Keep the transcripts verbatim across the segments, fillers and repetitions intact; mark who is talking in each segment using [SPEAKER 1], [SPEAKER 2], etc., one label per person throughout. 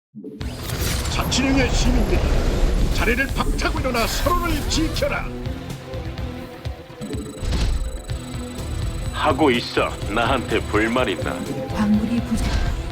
[SPEAKER 1] 자치령의 시민들이 자리를 박차고 일어나 서로를 지켜라.
[SPEAKER 2] 하고 있어. 나한테 불만 있나?
[SPEAKER 3] 광물이 부족.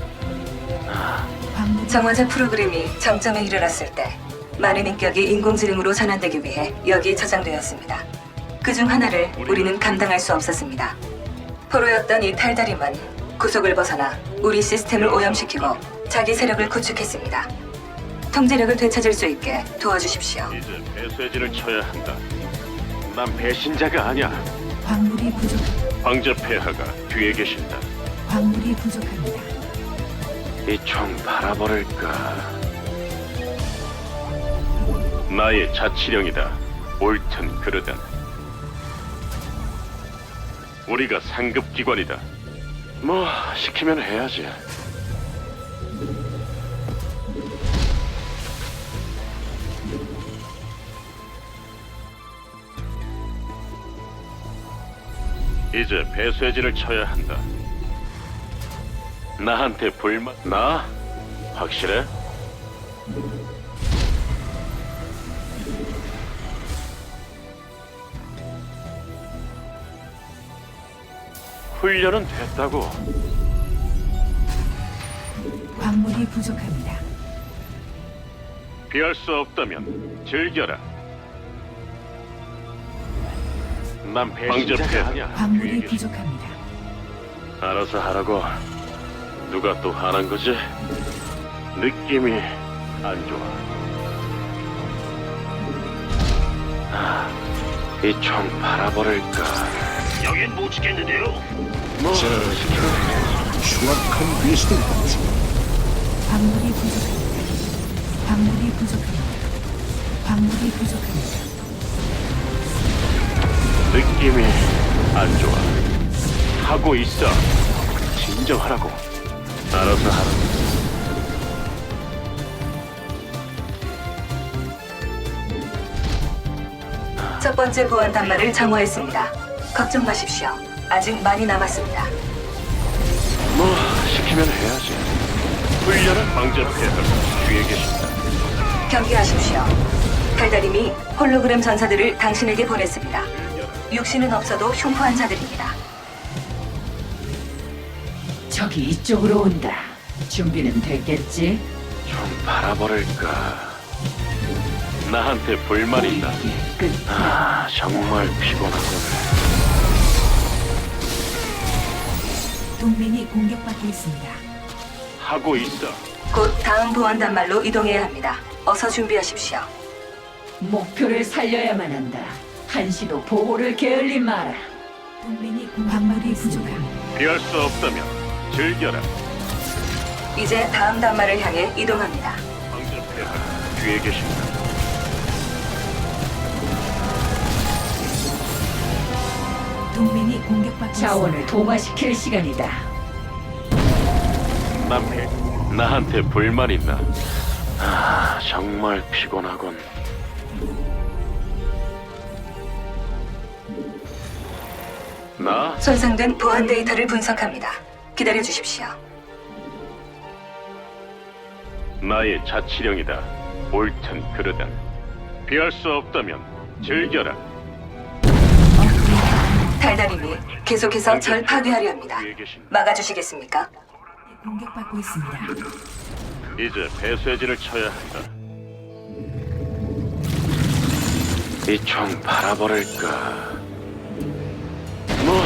[SPEAKER 3] 광물
[SPEAKER 4] 정화자 프로그램이 정점에 이르렀을 때 많은 인격이 인공지능으로 전환되기 위해 여기에 저장되었습니다. 그중 하나를 우리는 감당할 수 없었습니다. 포로였던 이 탈다림은 구속을 벗어나 우리 시스템을 오염시키고 자기 세력을 구축했습니다. 통제력을 되찾을 수 있게 도와주십시오.
[SPEAKER 2] 이제 배쇄진을 쳐야 한다. 난 배신자가 아니야.
[SPEAKER 3] 광물이 부족.
[SPEAKER 2] 황제 폐하가 뒤에 계신다.
[SPEAKER 3] 광물이 부족합니다.
[SPEAKER 2] 이 총 바라버릴까? 나의 자치령이다. 옳든 그르든. 우리가 상급 기관이다. 뭐 시키면 해야지. 이제 배쇄진을 쳐야 한다. 나한테 불만... 나? 확실해? 훈련은 됐다고.
[SPEAKER 3] 광물이 부족합니다.
[SPEAKER 2] 피할 수 없다면 즐겨라. 난 배신자가 아니야.
[SPEAKER 3] 광물이 부족합니다.
[SPEAKER 2] 알아서 하라고. 누가 또 하는 거지? 느낌이 안 좋아. 아, 이 총 바라버릴까?
[SPEAKER 5] 여긴 못 지켰는데요.
[SPEAKER 2] 뭐
[SPEAKER 1] 자, 흉악한 베스들
[SPEAKER 3] 광물이 부족합니다. 광물이 부족합니다. 광물이 부족합니다.
[SPEAKER 2] 느낌이 안 좋아. 하고 있어. 진정하라고. 알아서 하라.
[SPEAKER 4] 첫 번째 보안 단말을 정화했습니다. 걱정 마십시오. 아직 많이 남았습니다.
[SPEAKER 2] 뭐 시키면 해야지. 훈련은 황제 폐하가 뒤에 계신다.
[SPEAKER 4] 경계하십시오. 달달임이 홀로그램 전사들을 당신에게 보냈습니다. 육신은 없어도 흉포한 자들입니다.
[SPEAKER 6] 적이 이쪽으로 온다. 준비는 됐겠지?
[SPEAKER 2] 좀 바라버릴까? 나한테 불만 있다.
[SPEAKER 6] 우리의 끝.
[SPEAKER 2] 아, 정말 피곤하군.
[SPEAKER 3] 동맹이 공격받고 있습니다.
[SPEAKER 2] 하고 있어.
[SPEAKER 4] 곧 다음 보안 단말로 이동해야 합니다. 어서 준비하십시오.
[SPEAKER 6] 목표를 살려야만 한다. 한시도 보호를 게을리 마라.
[SPEAKER 3] 동맹이 공- 광물이 부족합니다.
[SPEAKER 2] 피할 수 없다면 즐겨라.
[SPEAKER 4] 이제 다음 단말을 향해 이동합니다.
[SPEAKER 2] 황제 폐하가 뒤에 계신다.
[SPEAKER 3] 동맹이 공격받고
[SPEAKER 6] 자원을
[SPEAKER 3] 있습니다.
[SPEAKER 6] 동화시킬 시간이다.
[SPEAKER 2] 난 배. 나한테 불만 있나? 아, 정말 피곤하군. 나?
[SPEAKER 4] 손상된 보안 데이터를 분석합니다. 기다려 주십시오.
[SPEAKER 2] 나의 자치령이다. 옳든 그르든. 피할 수 없다면 즐겨라.
[SPEAKER 4] 달달임이 계속해서 절 파괴하려 합니다.
[SPEAKER 2] 뒤에 계신다.
[SPEAKER 4] 막아주시겠습니까?
[SPEAKER 3] 공격받고 있습니다.
[SPEAKER 2] 이제 배쇄진을 쳐야 한다. 이 총 바라버릴까? 뭐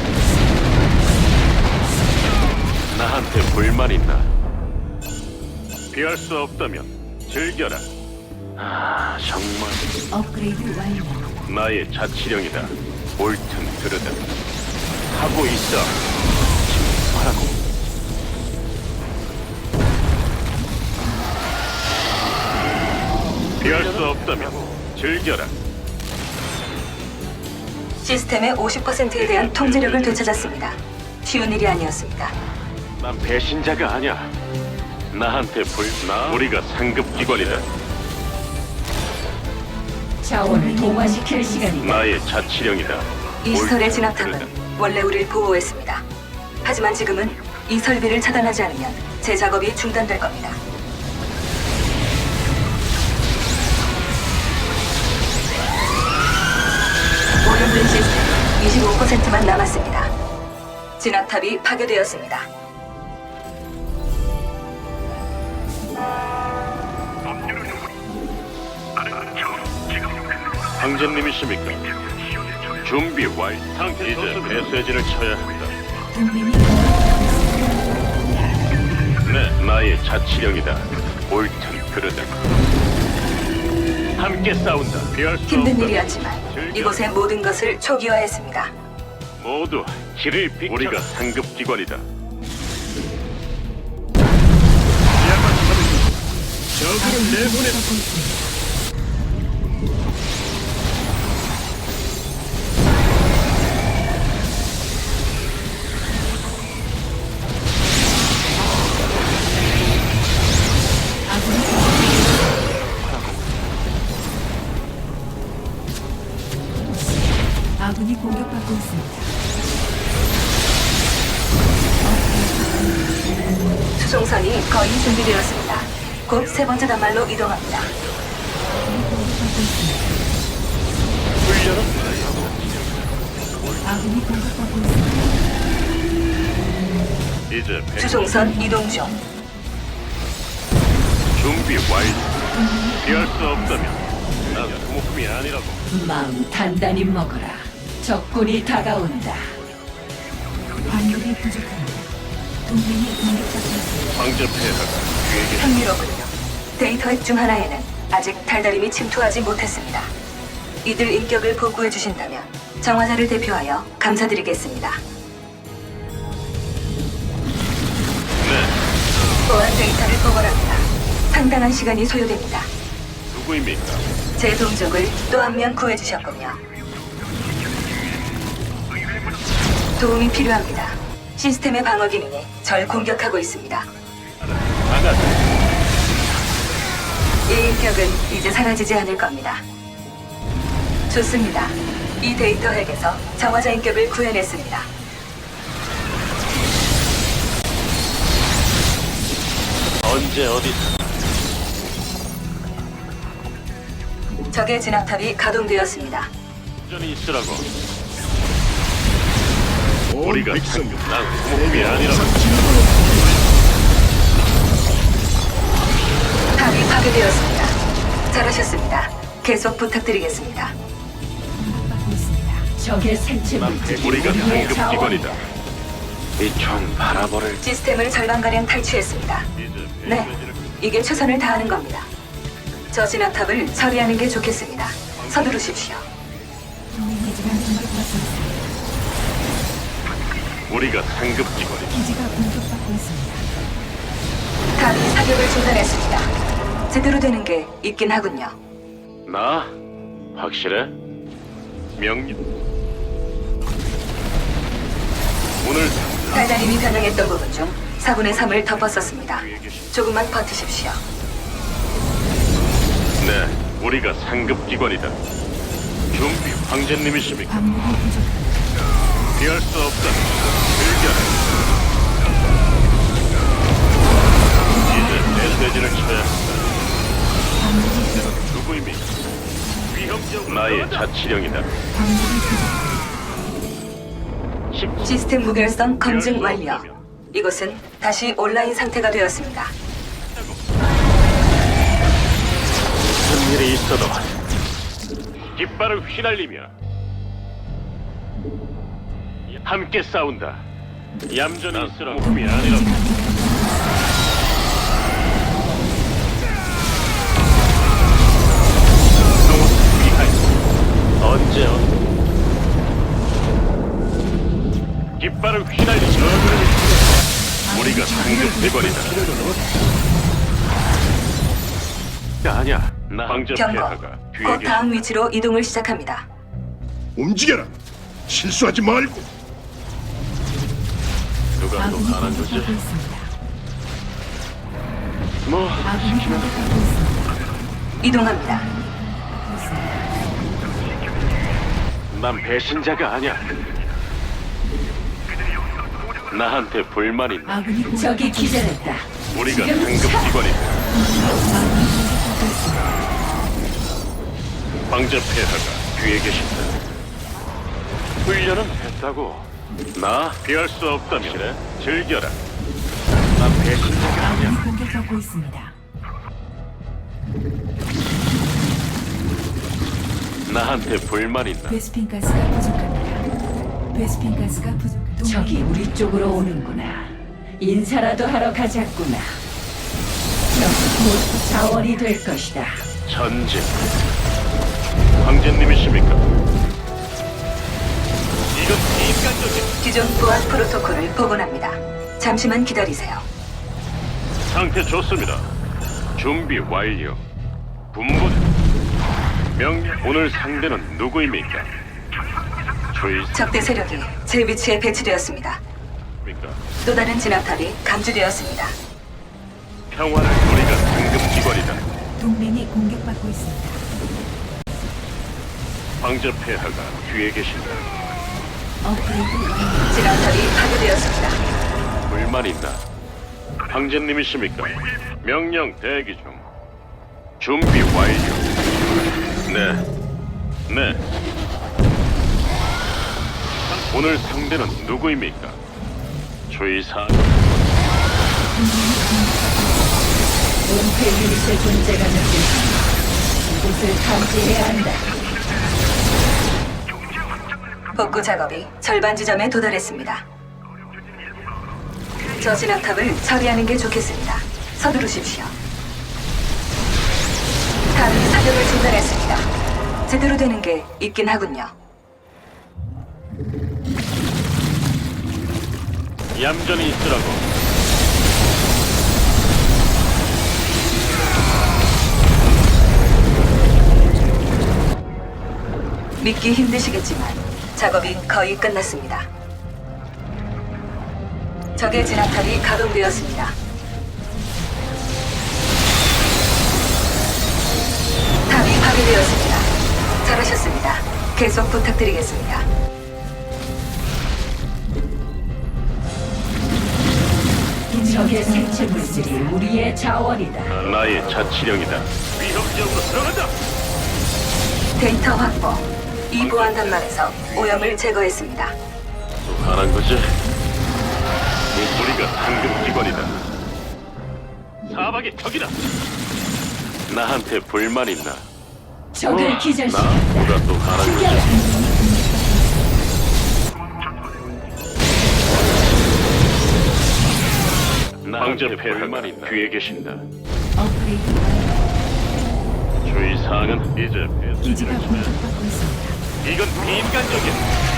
[SPEAKER 2] 나한테 불만 있나? 피할 수 없다면 즐겨라. 아, 정말
[SPEAKER 3] 업그레이드 완료.
[SPEAKER 2] 나의 자치령이다. 옳든 그르든. 하고 있어. 하라고. 피할 수 없다면 즐겨라.
[SPEAKER 4] 시스템의 오십 퍼센트에 대한 통제력을 되찾았습니다. 쉬운 일이 아니었습니다.
[SPEAKER 2] 난 배신자가 아니야. 나한테 불... 나? 우리가 상급 기관이다.
[SPEAKER 6] 자원을 동화시킬 시간이다.
[SPEAKER 2] 나의 자치령이다.
[SPEAKER 4] 이 시설의
[SPEAKER 2] 옳든
[SPEAKER 4] 진압탑은
[SPEAKER 2] 그르든.
[SPEAKER 4] 원래 우리를 보호했습니다. 하지만 지금은 이 설비를 차단하지 않으면 제 작업이 중단될 겁니다. 퍼센트만 남았습니다. 진압탑이 파괴되었습니다.
[SPEAKER 2] 황제님이십니까? 준비 완. 상태 이제 배쇄진을 쳐야 한다.
[SPEAKER 3] 동맹이 공격받고 있습니다.
[SPEAKER 2] 네, 나의 자치령이다. 옳든 그르든. 함께 싸운다. 피할 수
[SPEAKER 4] 힘든
[SPEAKER 2] 없다.
[SPEAKER 4] 일이었지만 이곳의 모든 것을 초기화했습니다.
[SPEAKER 2] 모두 길을 비. 우리가 상급 기관이다.
[SPEAKER 1] 야만 하는 저그를 내보내.
[SPEAKER 3] 공격받고 있습니다. 아군이 공격받고 있습니다.
[SPEAKER 4] 수송선이 거의 준비되었습니다. 곧 세 번째 단말로 이동합니다.
[SPEAKER 3] 아군이 공격받고 있습니다.
[SPEAKER 2] 이제 배.
[SPEAKER 4] 수송선 이동 중.
[SPEAKER 2] 준비 완료. 피할 수 없다면 난 소모품이 아니라고.
[SPEAKER 6] 마음 단단히 먹어라. 적군이 다가온다.
[SPEAKER 3] 광물이 부족합니다. 동맹이 공격받고 있습니다.
[SPEAKER 2] 황제 폐하가 뒤에게.
[SPEAKER 4] 흥미롭군요. 데이터 핵 중 하나에는 아직 달달임이 침투하지 못했습니다. 이들 인격을 복구해 주신다면 정화자를 대표하여 감사드리겠습니다.
[SPEAKER 2] 네,
[SPEAKER 4] 보안 데이터를 복원합니다. 상당한 시간이 소요됩니다.
[SPEAKER 2] 누구입니까?
[SPEAKER 4] 제 동족을 또 한 명 구해주셨군요. 도움이 필요합니다. 시스템의 방어 기능이 절 공격하고 있습니다.
[SPEAKER 2] 나가.
[SPEAKER 4] 이 인격은 이제 사라지지 않을 겁니다. 좋습니다. 이 데이터 핵에서 정화자 인격을 구해냈습니다.
[SPEAKER 2] 언제 어디서?
[SPEAKER 4] 적의 진압탑이 가동되었습니다.
[SPEAKER 2] 전이 있으라고.
[SPEAKER 1] 온
[SPEAKER 2] 우리가
[SPEAKER 1] 백성
[SPEAKER 2] 상급. 난 소모품이 아니라고.
[SPEAKER 4] 탑이 파괴되었습니다. 잘하셨습니다. 계속 부탁드리겠습니다.
[SPEAKER 3] 공격받고 있습니다.
[SPEAKER 6] 적의 생체 물질이
[SPEAKER 2] 우리가
[SPEAKER 6] 우리의
[SPEAKER 2] 상급 기관이다.
[SPEAKER 6] 자원이다.
[SPEAKER 2] 이 총 바라버릴.
[SPEAKER 4] 시스템을 절반가량 탈취했습니다.
[SPEAKER 2] 이제
[SPEAKER 4] 네, 이게 최선을 다하는 겁니다. 저 진압탑을 처리하는 게 좋겠습니다. 서두르십시오.
[SPEAKER 3] 동맹 기지가 공격받고 있습니다.
[SPEAKER 2] 우리가 상급 기관이다.
[SPEAKER 3] 기지가 공격받고 있습니다.
[SPEAKER 4] 탑이 사격을 중단했습니다. 제대로 되는 게 있긴 하군요.
[SPEAKER 2] 나 확실해? 명령. 오늘
[SPEAKER 4] 달달임이 변형했던 부분 중 사분의 삼을 덮었었습니다. 조금만 버티십시오.
[SPEAKER 2] 네, 우리가 상급 기관이다. 준비 황제님이십니까?
[SPEAKER 3] 광물이 부족합니다.
[SPEAKER 2] 피할 수 없다. 즐겨라. 이제 메시지를 쳐야 한다.
[SPEAKER 3] 광물이 부족합니다.
[SPEAKER 2] 누구입니까? 위협적 나의 자치령이다.
[SPEAKER 3] 광물이 부족합니다.
[SPEAKER 4] 시스템 무결성 검증 완료. 이곳은 다시 온라인 상태가 되었습니다.
[SPEAKER 2] 무슨 일이 있어도 깃발을 휘날리며 함께 싸운다. 얌전히 있으라고. 몸이 아니라고. 언제 어? 깃발을 휘날리며 우리가 상급 대관이다. 아니야, 나 황제
[SPEAKER 4] 경고.
[SPEAKER 2] 폐하가 뒤에
[SPEAKER 4] 곧
[SPEAKER 2] 계신다.
[SPEAKER 4] 다음 위치로 이동을 시작합니다.
[SPEAKER 1] 움직여라. 실수하지 말고.
[SPEAKER 2] 누가 또
[SPEAKER 3] 아군이
[SPEAKER 2] 알아주지?
[SPEAKER 3] 공격받고 있습니다.
[SPEAKER 2] 뭐
[SPEAKER 3] 아군이 공격받고 있습니다.
[SPEAKER 4] 이동합니다.
[SPEAKER 2] 난 배신자가 아니야. 나한테 불만 있나?
[SPEAKER 3] 아군이 공격받고
[SPEAKER 6] 적이 기절했다.
[SPEAKER 2] 우리가
[SPEAKER 6] 지금
[SPEAKER 2] 상급
[SPEAKER 6] 차!
[SPEAKER 2] 기관이다.
[SPEAKER 3] 아군이 공격받고 있습니다.
[SPEAKER 2] 황제 폐하가 뒤에 계신다. 훈련은 했다고. 나 피할 수 없다면 그래, 즐겨라. 나 배신자가 아니야.
[SPEAKER 3] 아군이 공격받고 있습니다.
[SPEAKER 2] 나한테 불만 있나?
[SPEAKER 3] 베스핀 가스가 부족합니다. 베스핀 가스가 부족합니다.
[SPEAKER 6] 적이 우리 쪽으로 오는구나. 인사라도 하러 가자꾸나. 적 모두 자원이 될 것이다.
[SPEAKER 2] 전진. 황제님이십니까? 이건 인간적인
[SPEAKER 4] 기존 보안 프로토콜을 복원합니다. 잠시만 기다리세요.
[SPEAKER 2] 상태 좋습니다. 준비 완료. 분분. 명령. 오늘 상대는 누구입니까? 주의.
[SPEAKER 4] 적대 세력이 제 위치에 배치되었습니다.
[SPEAKER 2] 입니까?
[SPEAKER 4] 또 다른 진압탑이 감지되었습니다.
[SPEAKER 2] 평화를 우리가 상급 기관이다.
[SPEAKER 3] 동맹이 공격받고 있습니다.
[SPEAKER 2] 황제 폐하가 뒤에 계신다.
[SPEAKER 3] 업그레이드 완료.
[SPEAKER 4] 진압탑이 파괴되었습니다.
[SPEAKER 2] 불만 있나? 황제님이십니까? 명령 대기 중. 준비 완료. 네, 네. 오늘 상대는 누구입니까? 주의사.
[SPEAKER 6] 은폐 유닛의 존재가 느껴진다. 이곳을 탐지해야 한다.
[SPEAKER 4] 복구 작업이 절반 지점에 도달했습니다. 저 진압탑을 처리하는 게 좋겠습니다. 서두르십시오. 탑이 사격을 중단했습니다. 제대로 되는 게 있긴 하군요.
[SPEAKER 2] 얌전히 있으라고.
[SPEAKER 4] 믿기 힘드시겠지만 작업이 거의 끝났습니다. 적의 진압탑이 가동되었습니다. 탑이 파괴되었습니다. 잘하셨습니다. 계속 부탁드리겠습니다.
[SPEAKER 6] 적의 생체 물질이 우리의 자원이다.
[SPEAKER 2] 나의 자치령이다. 위협적으로 들어간다.
[SPEAKER 4] 데이터 확보. 이 보안 단말에서 오염을 제거했습니다.
[SPEAKER 2] 또 하는 거지? 우리가 상급 기관이다. 사박의 적이다. 나한테 불만 있나?
[SPEAKER 6] 적을
[SPEAKER 2] 나
[SPEAKER 6] 기절시켰다.
[SPEAKER 2] 누가 또 하는 거지?
[SPEAKER 6] 죽여라.
[SPEAKER 2] 황제 폐하가 뒤에 계신다.
[SPEAKER 3] 업그레이드 완료.
[SPEAKER 2] 주의 사항은 이제
[SPEAKER 3] 기지가
[SPEAKER 2] 배수진이다.
[SPEAKER 3] 공격받고 있습니다.
[SPEAKER 2] 이건 비인간적인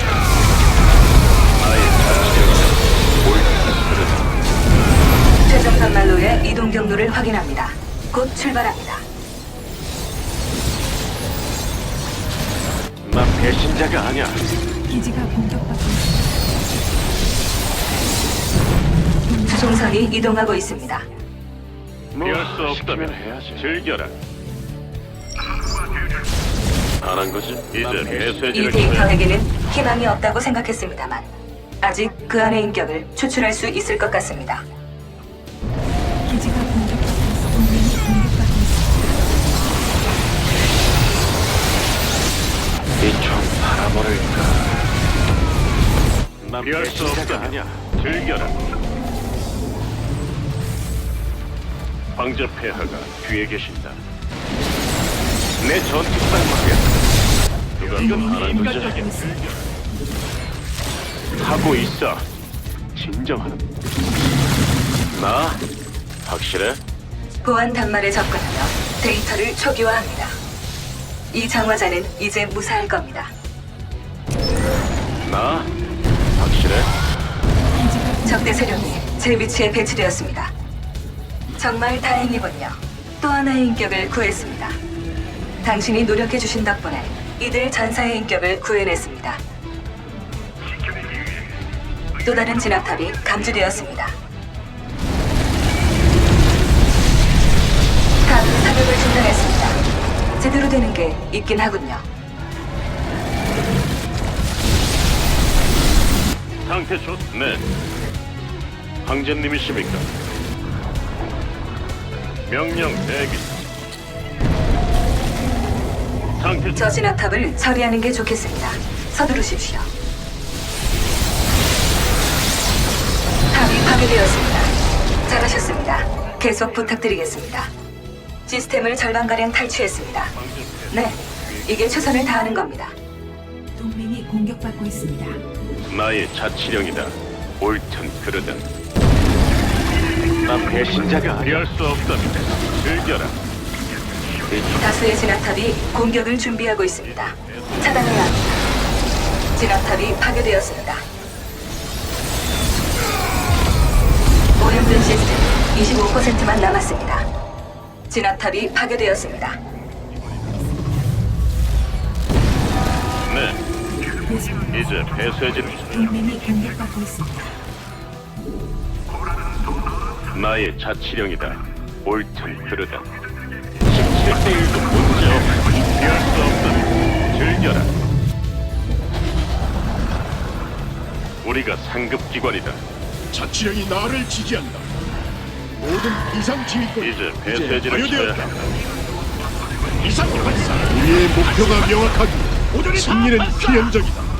[SPEAKER 2] 나의 자치령이다. 옳다. 그러다.
[SPEAKER 4] 최종 단말로의 이동 경로를 확인합니다. 곧 출발합니다.
[SPEAKER 2] 나 배신자가 아니야.
[SPEAKER 3] 기지가 공격받고 있습니다.
[SPEAKER 4] 수송선이 이동하고 있습니다.
[SPEAKER 2] 피할 수 없다면 해야지. 즐겨라. 안 한 거지? 이제
[SPEAKER 4] 이
[SPEAKER 2] 메시지를
[SPEAKER 4] 데이터에게는 희망이 없다고 생각했습니다만 아직 그 안의 인격을 추출할 수 있을 것 같습니다.
[SPEAKER 3] 기지가 공격받고 있습니다. 동맹이 공격받고 있습니다.
[SPEAKER 2] 이총 바라버릴까? 난 피할 수 없다 아니야. 즐겨라. 황제 폐하가 뒤에 계신다. 내 전투상 말이야. 누가 또
[SPEAKER 3] 동맹이
[SPEAKER 2] 하는
[SPEAKER 3] 공격받고
[SPEAKER 2] 거지?
[SPEAKER 3] 있습니다.
[SPEAKER 2] 하고 있어. 진정하는. 나 확실해?
[SPEAKER 4] 보안 단말에 접근하며 데이터를 초기화합니다. 이 장화자는 이제 무사할 겁니다.
[SPEAKER 2] 나 확실해?
[SPEAKER 3] 기지가
[SPEAKER 4] 적대 세력이 제 위치에 배치되었습니다. 정말 다행이군요. 또 하나의 인격을 구했습니다. 당신이 노력해주신 덕분에 이들 전사의 인격을 구해냈습니다. 또 다른 진압탑이 감지되었습니다. 탑이 사격을 중단했습니다. 제대로 되는 게 있긴 하군요.
[SPEAKER 2] 상태 좋. 네. 황제님이십니까? 명령 대기. 상태
[SPEAKER 4] 저 진압탑을 처리하는 게 좋겠습니다. 서두르십시오. 파괴되었습니다. 잘하셨습니다. 계속 부탁드리겠습니다. 시스템을 절반가량 탈취했습니다. 네, 이게 최선을 다하는 겁니다.
[SPEAKER 3] 동맹이 공격받고 있습니다.
[SPEAKER 2] 나의 자치령이다. 옳든 그르든. 난 배신자가 피할 수 없다면 즐겨라.
[SPEAKER 4] 다수의 진압탑이 공격을 준비하고 있습니다. 차단해야 합니다. 진압탑이 파괴되었습니다. 오염된 시스템 이십오 퍼센트만 남았습니다. 진압탑이 파괴되었습니다.
[SPEAKER 2] 네,
[SPEAKER 3] 베스핀
[SPEAKER 2] 이제 폐쇄진
[SPEAKER 3] 동맹이 공격받고 있습니다.
[SPEAKER 2] 나의 자치령이다. 옳든 그르든. 십칠 대 일도 문제없고 피할 수 없다면 즐겨라. 우리가 상급기관이다.
[SPEAKER 1] 자치령이 나를 지지한다. 모든 이상 지휘권
[SPEAKER 2] 이제 배쇄진을 쳐야
[SPEAKER 1] 완료되었다.
[SPEAKER 2] 한다.
[SPEAKER 1] 이상 발사. 우리의 목표가 명확하기. 승리는 필연적이다.